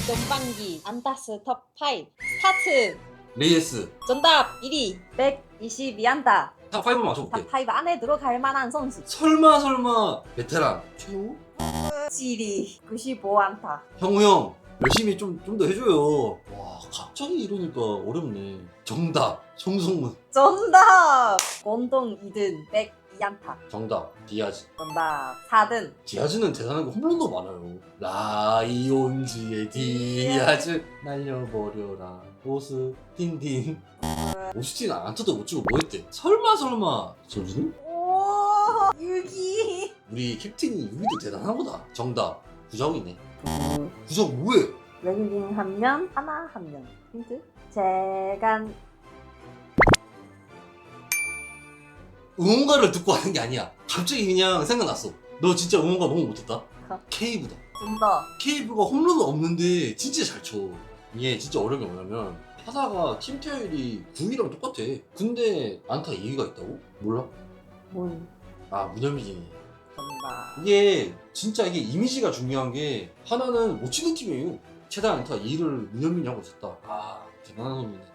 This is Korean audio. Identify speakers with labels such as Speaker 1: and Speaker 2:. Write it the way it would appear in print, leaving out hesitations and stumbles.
Speaker 1: 전반기 안타스 톱5 스타트.
Speaker 2: 레이에스
Speaker 1: 정답 1위 122안타.
Speaker 2: 탑5 맞춰볼게.
Speaker 1: 탑5 안에 들어갈 만한 선수.
Speaker 2: 설마 베테랑 최우?
Speaker 1: 지리 95안타.
Speaker 2: 형우 형 열심히 좀 더 해줘요. 와 갑자기 이러니까 어렵네. 정답 송성문.
Speaker 1: 정답 공동 2등 102안타.
Speaker 2: 정답 디아즈.
Speaker 1: 정답 4등
Speaker 2: 디아즈는 대단한 거 홈런도 많아요. 라이온즈의 디아즈 날려버려라 오스 딘딘. 오스틴 안타도 못 치고 뭐 했대? 설마 선수는?
Speaker 1: 오 6위.
Speaker 2: 우리 캡틴이 유비도 대단한 거다. 정답 구정이네. 구정 뭐해?
Speaker 1: 외국인 한 명, 하나 한 명. 힌트? 재간.
Speaker 2: 응원가를 듣고 하는 게 아니야. 갑자기 그냥 생각났어. 너 진짜 응원가 너무 못했다. 케이브다.
Speaker 1: 정답.
Speaker 2: 케이브가 홈런은 없는데 진짜 잘 쳐. 이게 진짜 어려운 게 뭐냐면 타자가 팀 타율이 9위랑 똑같아. 근데 안타 2위가 있다고? 몰라?
Speaker 1: 문.
Speaker 2: 아 문현민이.
Speaker 1: 정답.
Speaker 2: 이게 진짜 이게 이미지가 중요한 게 하나는 못 치는 팀이에요. 최다 안타 2위를 문현민이 하고 있었다. 아 대단한 놈이네.